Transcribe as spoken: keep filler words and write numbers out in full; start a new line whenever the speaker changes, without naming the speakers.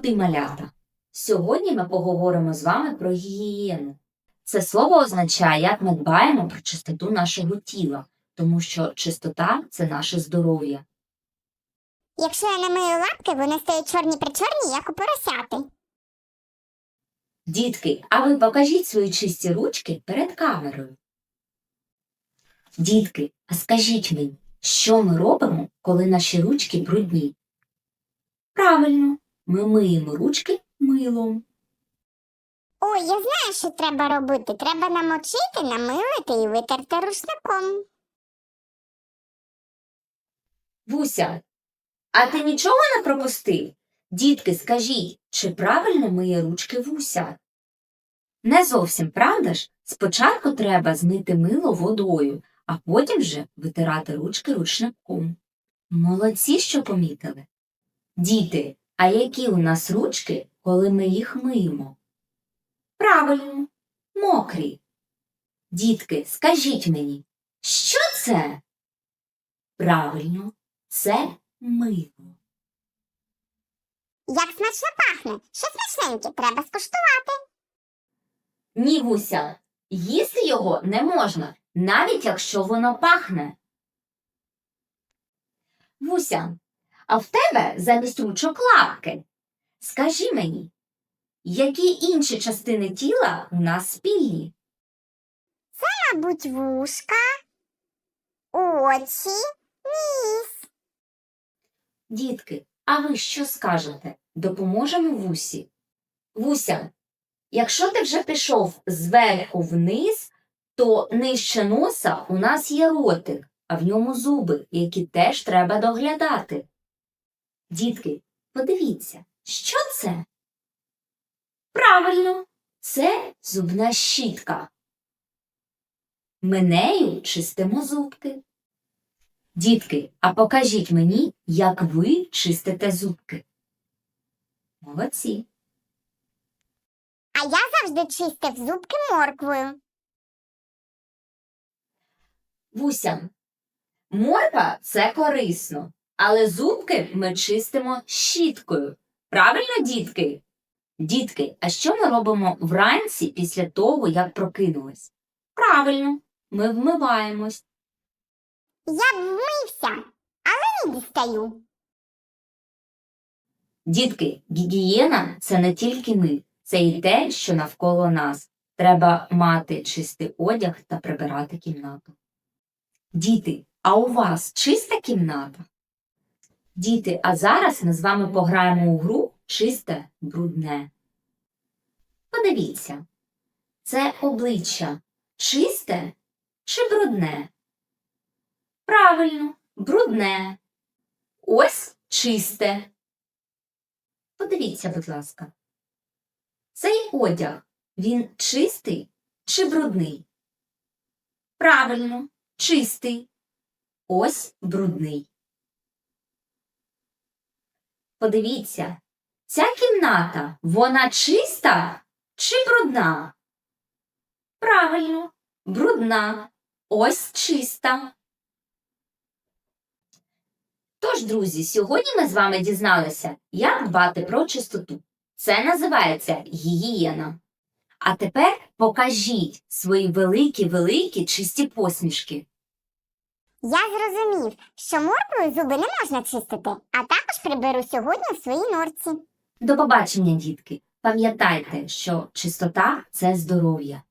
Любі малята! Сьогодні ми поговоримо з вами про гігієну. Це слово означає, як ми дбаємо про чистоту нашого тіла, тому що чистота – це наше здоров'я.
Якщо я не мию лапки, вони стають чорні-причорні, як у поросяти.
Дітки, а ви покажіть свої чисті ручки перед камерою. Дітки, а скажіть мені, що ми робимо, коли наші ручки брудні? Правильно, ми миємо ручки милом.
Ой, я знаю, що треба робити. Треба намочити, намилити і витерти рушником.
Буся, а ти нічого не пропустив? Дітки, скажіть, чи правильно миє ручки Вуся? Не зовсім, правда ж? Спочатку треба змити мило водою, а потім вже витирати ручки рушником. Молодці, що помітили. Діти, а які у нас ручки, коли ми їх миємо? Правильно, мокрі. Дітки, скажіть мені, що це? Правильно, це мило.
Як смачно пахне! Що смачненьке, треба скуштувати.
Ні, Вуся, їсти його не можна, навіть якщо воно пахне. Вуся, а в тебе замість ручок лапки. Скажи мені, які інші частини тіла у нас спільні?
Мабуть, вушка, очі, ніс.
Дітки, а ви що скажете? Допоможемо Вусі? Вуся, якщо ти вже пішов зверху вниз, то нижче носа у нас є ротик, а в ньому зуби, які теж треба доглядати. Дітки, подивіться, що це? Правильно, це зубна щітка. Ми нею чистимо зубки. Дітки, а покажіть мені, як ви чистите зубки. Молодці.
А я завжди чистив зубки морквою.
Вуся, морква – це корисно, але зубки ми чистимо щіткою. Правильно, дітки? Дітки, а що ми робимо вранці після того, як прокинулись? Правильно, ми вмиваємось.
Я вмився, але не дістаю.
Дітки, гігієна – це не тільки ми, це і те, що навколо нас. Треба мати чистий одяг та прибирати кімнату. Діти, а у вас чиста кімната? Діти, а зараз ми з вами пограємо у гру «Чисте, брудне». Подивіться, це обличчя чисте чи брудне? Правильно, брудне. Ось чисте. Подивіться, будь ласка. Цей одяг, він чистий чи брудний? Правильно, чистий. Ось брудний. Подивіться, ця кімната, вона чиста чи брудна? Правильно, брудна. Ось чиста. Тож, друзі, сьогодні ми з вами дізналися, як дбати про чистоту. Це називається гігієна. А тепер покажіть свої великі-великі чисті посмішки.
Я зрозумів, що морквою зуби не можна чистити, а також приберу сьогодні в своїй норці.
До побачення, дітки! Пам'ятайте, що чистота – це здоров'я.